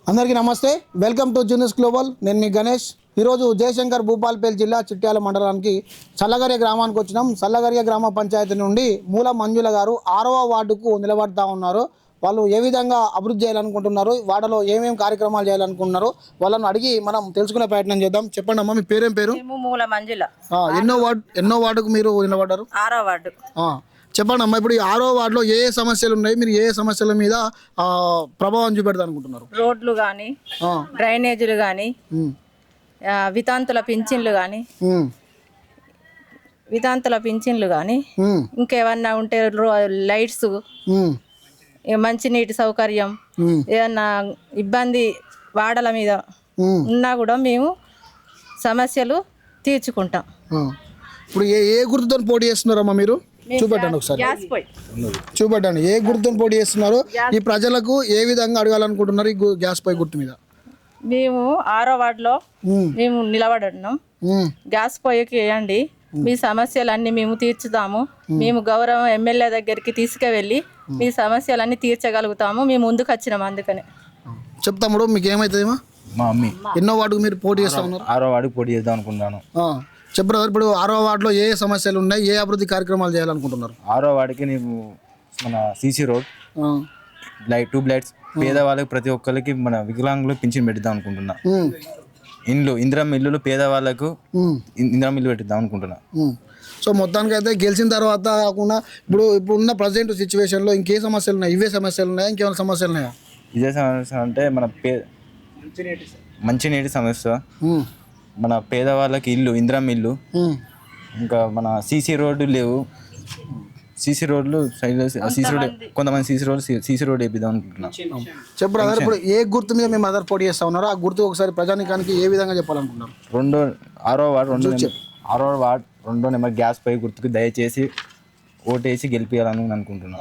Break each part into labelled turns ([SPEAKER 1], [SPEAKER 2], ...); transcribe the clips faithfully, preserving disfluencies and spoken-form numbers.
[SPEAKER 1] అందరికీ నమస్తే, welcome to juniors global. నేను మీ గణేష్. ఈరోజు జయశంకర్ భూపాల్పల్లి జిల్లా చిట్యాల మండలానికి చల్లగరియ గ్రామానికి వచ్చినాం. చల్లగరియ గ్రామ పంచాయతీ నుండి మూల మంజుల గారు ఆరవ వార్డుకు నిలబడతా ఉన్నారు. వాళ్ళు ఏ విధంగా అభివృద్ధి చేయాలనుకుంటున్నారు, వాడలో ఏమేమి కార్యక్రమాలు చేయాలనుకుంటున్నారు, వాళ్ళని అడిగి మనం తెలుసుకునే ప్రయత్నం చేద్దాం. చెప్పండి అమ్మా, మీ పేరేం పేరు?
[SPEAKER 2] మూల మంజుల.
[SPEAKER 1] ఎన్నో వార్డు ఎన్నో వార్డుకు మీరు నిలబడ్డారు?
[SPEAKER 2] ఆరో వార్డు.
[SPEAKER 1] చెప్పండి అమ్మా, ఇప్పుడు ఈ ఆరో వార్డులో ఏ ఏ సమస్యలు ఉన్నాయి, మీరు ఏ ఏ సమస్యల మీద ప్రభావం చూపెడతా అనుకుంటున్నారు?
[SPEAKER 2] రోడ్లు కానీ, డ్రైనేజీలు కానీ, వితాంతుల పింఛన్లు కానీ వితాంతుల పింఛన్లు కానీ ఇంకేమన్నా ఉంటే లైట్స్, మంచినీటి సౌకర్యం, ఏదన్నా ఇబ్బంది వాడల మీద ఉన్నా కూడా మేము సమస్యలు తీర్చుకుంటాం.
[SPEAKER 1] ఇప్పుడు ఏ ఏ గుర్తుతో పోటీ చేస్తున్నారమ్మా మీరు? చూపెట్టండి ఒకసారి, చూపెట్టండి ఏ గుర్తుతో పోటీ చేస్తున్నారు, ఈ ప్రజలకు ఏ విధంగా అడగాలనుకుంటున్నారు ఈ గ్యాస్ పై గుర్తు మీద?
[SPEAKER 2] మేము ఆరో వార్డులో మేము నిలబడున్నాం. గ్యాస్ పొయ్యికి వేయండి, మీ సమస్యలన్నీ మేము తీర్చుతాము. మేము గౌరవం ఎమ్మెల్యే దగ్గరికి తీసుకువెళ్ళి మీ సమస్యలన్నీ తీర్చగలుగుతాము. మేము ముందుకు వచ్చినాం, అందుకనే
[SPEAKER 1] చెప్తాము. మీకు ఏమవుతుందేమో?
[SPEAKER 3] మా అమ్మి
[SPEAKER 1] ఎన్నో వార్డుకు మీరు పోటీ చేస్తా ఉన్నారు?
[SPEAKER 3] ఆరో వార్డుకు పోటీ చేద్దాం అనుకుంటున్నాను.
[SPEAKER 1] చెప్పరు, ఇప్పుడు ఆరో వార్డులో ఏ సమస్యలు ఉన్నాయి, ఏ అభివృద్ధి కార్యక్రమాలు చేయాలనుకుంటున్నారు?
[SPEAKER 3] ఆరో వార్డుకి నీకు మన CC road, light, tube lights, పేదవాళ్ళకి ప్రతి ఒక్కరికి మన వికలాంగులు పింఛన్ పెడదాం అనుకుంటున్నా. ఇండ్లు, ఇందిరమ్మ ఇల్లులు పేదవాళ్ళకు ఇందిరమ్మ ఇల్లు పెట్టిద్దాం అనుకుంటున్నా.
[SPEAKER 1] సో మొత్తానికి అయితే గెలిచిన తర్వాత కాకుండా ఇప్పుడు ఇప్పుడు ఉన్న ప్రజెంట్ సిచ్యువేషన్లో ఇంకే సమస్యలు ఉన్నాయి? ఇవే సమస్యలు ఉన్నాయా, ఇంకేమైనా సమస్యలు ఉన్నాయా?
[SPEAKER 3] ఇదే సమస్య అంటే మన పే మంచినీటి సమస్య, మన పేదవాళ్ళకి ఇల్లు, ఇందిరమ్మ ఇల్లు, ఇంకా మన సీసీ రోడ్డు లేవు. సీసీ రోడ్లు సీసీ రోడ్ కొంతమంది సీసీ రోడ్ సీసీ రోడ్ వేపిద్దాం అనుకుంటున్నాం.
[SPEAKER 1] చెప్పు బ్రదర్, ఇప్పుడు ఏ గుర్తు మీద మేము అదర్ పోటీ చేస్తా ఉన్నారు, ఆ గుర్తు ఒకసారి ప్రజానికానికి ఏ విధంగా చెప్పాలనుకుంటున్నారు?
[SPEAKER 3] రెండో ఆరో వార్డు రెండో ఆరో వార్డు రెండో నెంబర్ గ్యాస్ పై గుర్తుకు దయచేసి ఓటేసి గెలిపించాలని అనుకుంటున్నాం.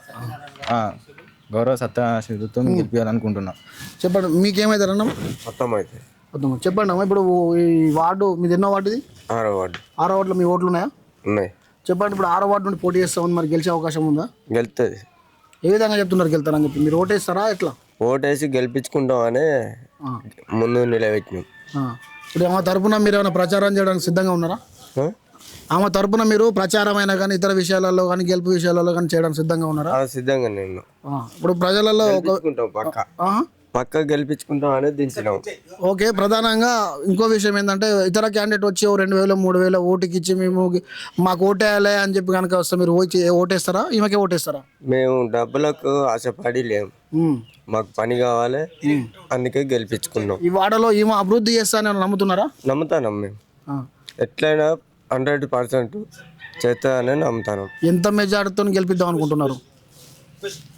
[SPEAKER 3] గౌరవ సత్యాశతో గెలిపించాలనుకుంటున్నాం.
[SPEAKER 1] చెప్పండి, మీకేమైతారన్నా?
[SPEAKER 4] మొత్తం అయితే
[SPEAKER 1] చెప్పండి అమ్మా, ఇప్పుడు ఈ వార్డు మీది ఎన్నో వార్డుది?
[SPEAKER 4] ఆరో వార్డు.
[SPEAKER 1] ఆరో వార్డులో మీ ఓట్లు ఉన్నాయా?
[SPEAKER 4] ఉన్నాయి.
[SPEAKER 1] చెప్పండి, ఇప్పుడు ఆరో వార్డు నుండి పోటీ చేస్తామని మరి గెలిచే అవకాశం ఉందా?
[SPEAKER 4] గెలుతుంది.
[SPEAKER 1] ఏ విధంగా చెప్తున్నారు గెలుతారని చెప్పి? మీరు ఓటేస్తారా ఎట్లా?
[SPEAKER 4] ఓటేసి గెలిపించుకుంటామని ముందు నిలబెట్టినాం.
[SPEAKER 1] ఇప్పుడు ఆమె తరపున మీరు ఏమైనా ప్రచారం చేయడానికి సిద్ధంగా ఉన్నారా? ఆమె తరపున మీరు ప్రచారం అయినా కానీ ఇతర విషయాలలో కానీ గెలుపు విషయాలలో కానీ చేయడానికి సిద్ధంగా ఉన్నారా?
[SPEAKER 4] సిద్ధంగా నేను.
[SPEAKER 1] ఇప్పుడు ప్రజలలో
[SPEAKER 4] పక్క పక్క గెలిపించుకుంటాం అనేది దించినాం.
[SPEAKER 1] ఓకే, ప్రధానంగా ఇంకో విషయం ఏంటంటే ఇతర క్యాండిడేట్ వచ్చి రెండు వేలు మూడు వేల ఓటుకి ఇచ్చి మేము మాకు ఓటేయాలి అని చెప్పి కనుక వస్తే మీరు ఓచి ఓటేస్తారా, ఈమెకే ఓటేస్తారా?
[SPEAKER 4] మేము డబ్బులకు ఆశపడి లేము, మాకు పని కావాలి, అందుకే గెలిపించుకున్నాం.
[SPEAKER 1] ఈ వాడలో ఈమె అభివృద్ధి చేస్తానని నమ్ముతున్నారా?
[SPEAKER 4] నమ్ముతాం మేము. ఎట్లయినా హండ్రెడ్ పర్సెంట్ చేస్తానని నమ్ముతాను.
[SPEAKER 1] ఎంత మెజార్టీతో గెలిపిద్దాం అనుకుంటున్నారు?